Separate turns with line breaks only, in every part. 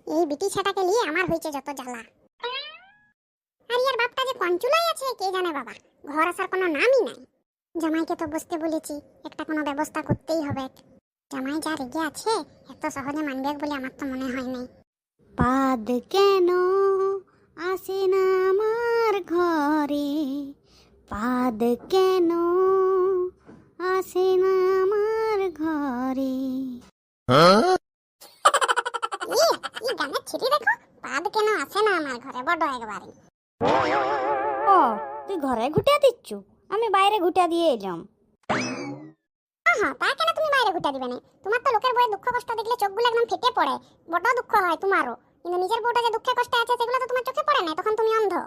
এই বিটি ছাটাকে নিয়ে আমার হয়েছে যত জ্বালা। আর ইয়ার বাপটা যে কঞ্চুলাই আছে কে জানে বাবা, ঘর আসার কোনো নামই নাই। জামাইকে তো বসতে বলেছি, একটা কোনো ব্যবস্থা করতেই হবে। জামাই যা রেগে আছে এত সহজে মানবে বলে আমার তো মনে হয় নাই।
পাদ কেন আসে না আমার ঘরে, পাদ কেন আসে না আমার ঘরে।
এই গানের ছিটি দেখো, পাদ কেন আসে না আমার ঘরে, বড় একবারে।
ও তুই ঘরে ঘুটিয়া দিচ্ছু, আমি বাইরে ঘুটিয়া দিয়ে এলাম।
হ্যাঁ, তা কেন তুমি বাইরে ঘুটা দিবে না? তোমার তো লোকের বউয়ের দুঃখ কষ্ট দেখলে চোখগুলো একদম ফেটে পড়ে, বড় দুঃখ হয় তোমারও। কিন্তু নিজের বউটা যে দুঃখে কষ্টে আছে সেগুলো তো তোমার চোখে পড়ে না, তখন তুমি অন্ধ।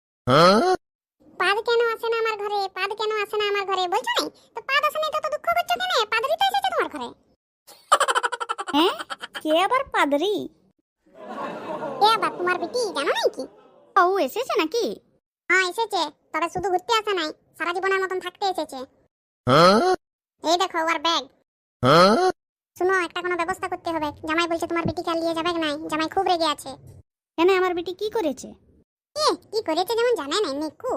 পাদ কেন আসে না আমার ঘরে, পাদ কেন আসে না আমার ঘরে বলছো নাই? তো পাদ আসে না তো দুঃখ করছো কেন? পাদরি তো এসেছে তোমার ঘরে।
হ্যাঁ, কে আবার পাদরি?
এ আবার তোমার বিটি, জানো নাই কি?
ও এসেছে নাকি?
হ্যাঁ এসেছে, তবে শুধু ঘুরতে আসে নাই, সারা জীবনের মতন থাকতে এসেছে। এই দেখো ওর ব্যাগ। শুনো, একটা কোনো ব্যবস্থা করতে হবে। জামাই বলছে তোমার বিটিকে আর নিয়ে যাবে নাই, জামাই খুব রেগে আছে।
কেন, আমার বেটি কি করেছে?
কি করেছে যেমন জানে নাই নিকু।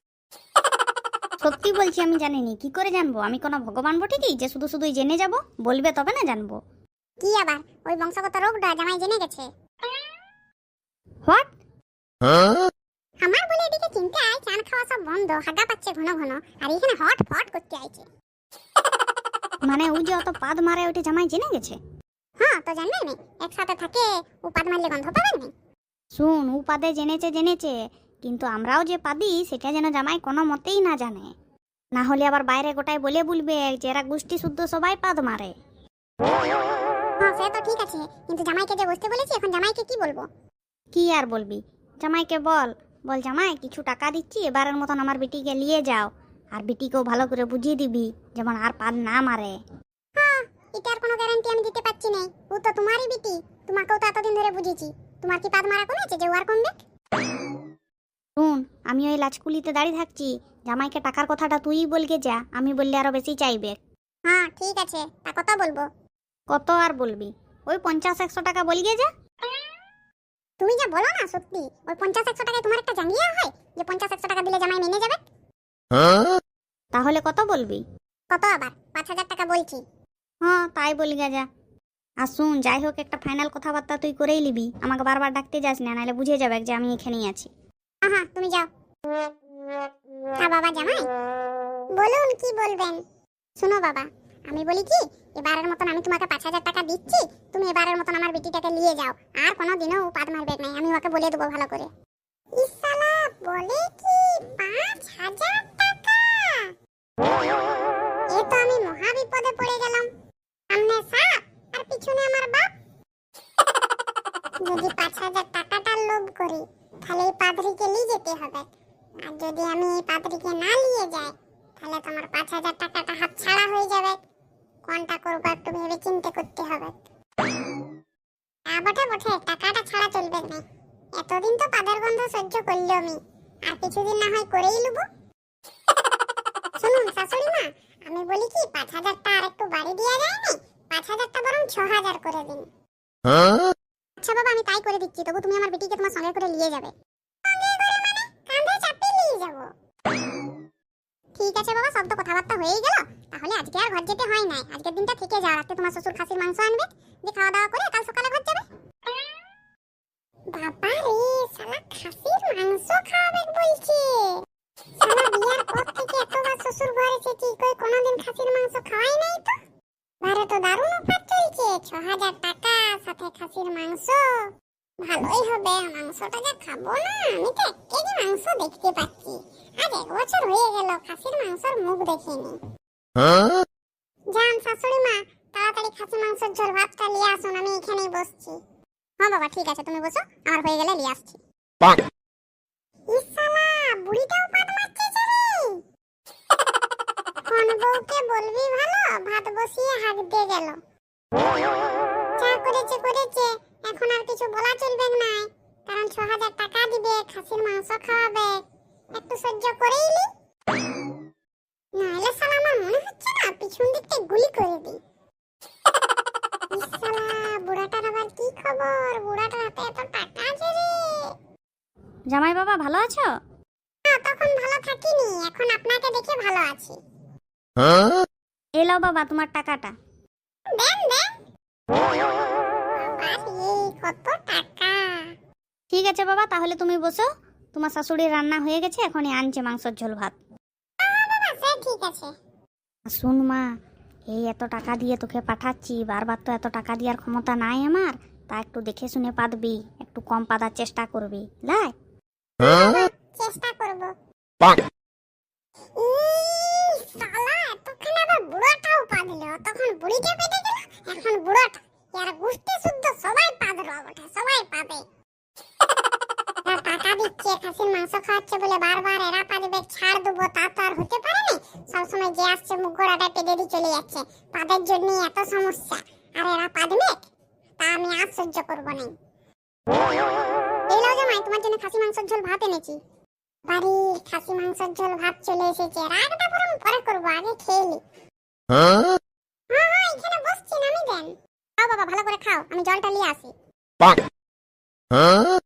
সত্যি বলছি, আমি জানিনি। কি করে জানবো? আমি কোনো ভগবান বটে কি যে শুধু শুধুই জেনে যাব? বলবে তবে না জানবো।
কি আবার ওই বংশগত রোগটা জামাই জেনে গেছে।
হোয়াট?
আমার বলে এদিকে চিন্তা আয়, চান খাওয়া সব বন্ধ, হাগা পাচ্ছে ঘন ঘন, আর এখানে হট ফট করতে আইছে।
মানে ও যে অত পাদ মারে ওইটা জামাই জেনে গেছে?
হ্যাঁ তো জানবে না, একসাথে থাকে ও পাদ মারলে গন্ধ পাবেন না।
শুন, ও পাদে জেনেছে, কিন্তু আমরাও যে পাদি সেটা যেন জামাই কোনো মতেই না জানে। না হলে আবার বাইরে গোটায় বলবে যে এরা গোষ্ঠী শুদ্ধ সবাই পাদ মারে।
হ্যাঁ সে তো ঠিক আছে, কিন্তু জামাইকে যে বসতে বলেছি, এখন জামাইকে কি বলবো?
কি আর বলবি? জামাইকে বল জামাই কিছু টাকা দিচ্ছি, এবারের মতন আমার বিটিকে নিয়ে যাও, আর বিটিকেও ভালো করে বুঝিয়ে দিবি যেমন আর পাদ না মারে।
হ্যাঁ, এটার কোনো গ্যারান্টি আমি দিতে পারছি না। ও তো তোমারই বিটি, তোমাকেও তো এতদিন ধরে বুঝেছি। তোমার কি পাদ মারা কমেছে যে ও আর কমবে?
শুন, আমি ওই লাচকুলিতে দাঁড়িয়ে থাকছি, জামাইকে টাকার কথাটা তুই বলকে যা, আমি বললে আরো বেশি চাইবে।
হ্যাঁ ঠিক আছে, তা কত বলবো?
কত আর বলবি? ওই 50-100 টাকা বলগে যা।
তুমি যা বলো না সত্যি, ওই 50-100 টাকায় তোমার একটা জাঙ্গিয়া হয় যে 50-100 টাকা দিলে জামাই মেনে যাবে?
তাহলে কত বলবি?
কত আবার? 5,000 টাকা বলছি।
হ্যাঁ তাই বলগে যা। আর শুন, যাই হোক একটা ফাইনাল কথাবার্তা তুই করেই নিবি, আমাকে বারবার ডাকতে যাস না, নাহলে বুঝে যাবে যে আমি এখানেই আছি।
হ্যাঁ তুমি যাও। হ্যাঁ বাবা জামাই বলুন, কি বলবেন? শুনো বাবা, আমি বলি কি, এবারের মতন আমি তোমাকে 5,000 টাকা দিচ্ছি, তুমি এবারের মতন আমার বিটিটাকে নিয়ে যাও, আর কোনোদিনও ও পাদ মারবে না, আমি ওকে বলে দেবো ভালো করে। ইসালা বলে কি 5,000 টাকা? এ তো আমি মহা বিপদে পড়ে গেলাম। সামনে সাপ আর পিছনে আমার বাপ। যদি 5,000 টাকাটার লোভ করি, তাহলে এই পাদ্রীকে নিয়ে যেতে হবে। আর যদি আমি এই পাদ্রীকে না নিয়ে যাই, তাহলে তোমার 5,000 টাকাটা হাত ছাড়া হয়ে যাবে। কোনটা করবো একটু ভেবে চিন্তে করতে হবে। বটে বটে, টাকাটা ছাড়া চলবে না। এতদিন তো পাদের গন্ধ সহ্য করলো আমি, আর কিছুদিন না হয় করেই নেব। শুনুন শাশুড়ি মা, আমি বলি কি 5,000টা আর একটু বাড়ি দেওয়া যায় না? 5,000টা বরং 6,000 করে দিন। আচ্ছা বাবা, আমি তাই করে দিচ্ছি, তবু তুমি আমার বেটিকে তোমার সঙ্গে করে নিয়ে যাবে। সঙ্গে করে মানে কাঁধে চাপিয়ে নিয়ে যাব। ঠিক আছে বাবা, সব তো কথাবার্তা হয়েই গেল। তাহলে আজকে আর ঘর যেতে হয় না, আজকের দিনটা থেকে যাও। রাতে তোমার শ্বশুর খাসির মাংস আনবে, যে খাওয়া দাওয়া করে কাল সকালে ঘর যাবে। বাবা রে, শালা খাসির মাংস খাওয়াবে বলছে। শালা বিয়ার পর থেকে এতবার শ্বশুর ঘরে এসেছি, কই কোনোদিন খাসির মাংস খাওয়াই নাই তো। বারে তো দারুণ অফার চলছে, 6,000 টাকা সাথে খাসির মাংস। ভালোই হবে, মাংসটা যা খাবো না, আমি তো 1 কেজি মাংস দেখতে পাচ্ছি। আজ 1 বছর হয়ে গেল খাসির মাংসের মুখ দেখিনি। যান শাশুড়ি মা, তাড়াতাড়ি খাসি মাংসের ঝোল ভাতটা নিয়ে আসুন, আমি এখানেই বসছি। হ্যাঁ বাবা ঠিক আছে, তুমি বসো, আমার হয়ে গেলে নিয়ে আসছি। ইসালা বুড়িটাও পাদ মারছে রে। কোন বউকে বলবি ভালো, ভাত বসিয়ে হাত দিয়ে গেল। যা করেছে, এখন আর কিছু বলা চলবে না, কারণ 6,000 টাকা দিবে, খাসির মাংস খাওয়াবে, একটু সহ্য করেই নি। নাহলে শালা আমার মনে হচ্ছে না পিছন দিকটা গুলি করে দিই। ইসালা বুড়াটার আবার বুড়াটার কি খবর? বুড়াটার হাতে এত টাকা আছে রে।
জামাই বাবা ভালো আছো?
তখন ভালো থাকিনি, এখন আপনাকে দেখে ভালো আছি।
এলাও বাবা তোমার টাকাটা।
দেন দেন। বাবা রে, কত টাকা!
ঠিক আছে বাবা, তাহলে তুমি বসো। তোমার শাশুড়ির রান্না হয়ে গেছে, এখনই আনছে মাংসের ঝোল ভাত।
বাবা সে ঠিক আছে।
শুন মা, এই এত টাকা দিয়ে তোকে পাঠাচ্ছি, বারবার তো এত টাকা দেওয়ার ক্ষমতা নাই আমার। তা একটু দেখে শুনে পাদবি, একটু কম পাদার চেষ্টা করবি, লাই?
চেষ্টা করব। শালা এতক্ষণ আবার বুড়াটাও পাদলো, তখন বুড়িটা পেটে গেল, এখন বুড়াটা। এর গোষ্ঠী শুদ্ধ সবাই পাদলো বটে, সবাই পাবে। এরা টাকা দিচ্ছে, খাসির মাংস খাওয়াচ্ছে বলে বারবার এরা পাদবে, ছাড় দেবো তা তো আর হতে পারে না। সবসময় যে আসছে মুখ গোড়াটা পেটে দিয়ে চলে যাচ্ছে। পাদের জন্য এত সমস্যা, আর এরা পাদবে, তা আমি আর সহ্য করবো না। এই নাও জামাই, তোমার জন্য খাসি মাংসের ঝোল ভাত এনেছি। বাড়ি খাসি মাংসের ঝোল ভাত চলে এসেছে। রাগটা বরং পরে করবো, আগে খেয়ে নি। হ্যাঁ হ্যাঁ, এখানে বসছি, নামি দেন। খাও বাবা, ভালো করে খাও, আমি জলটা নিয়ে আসি।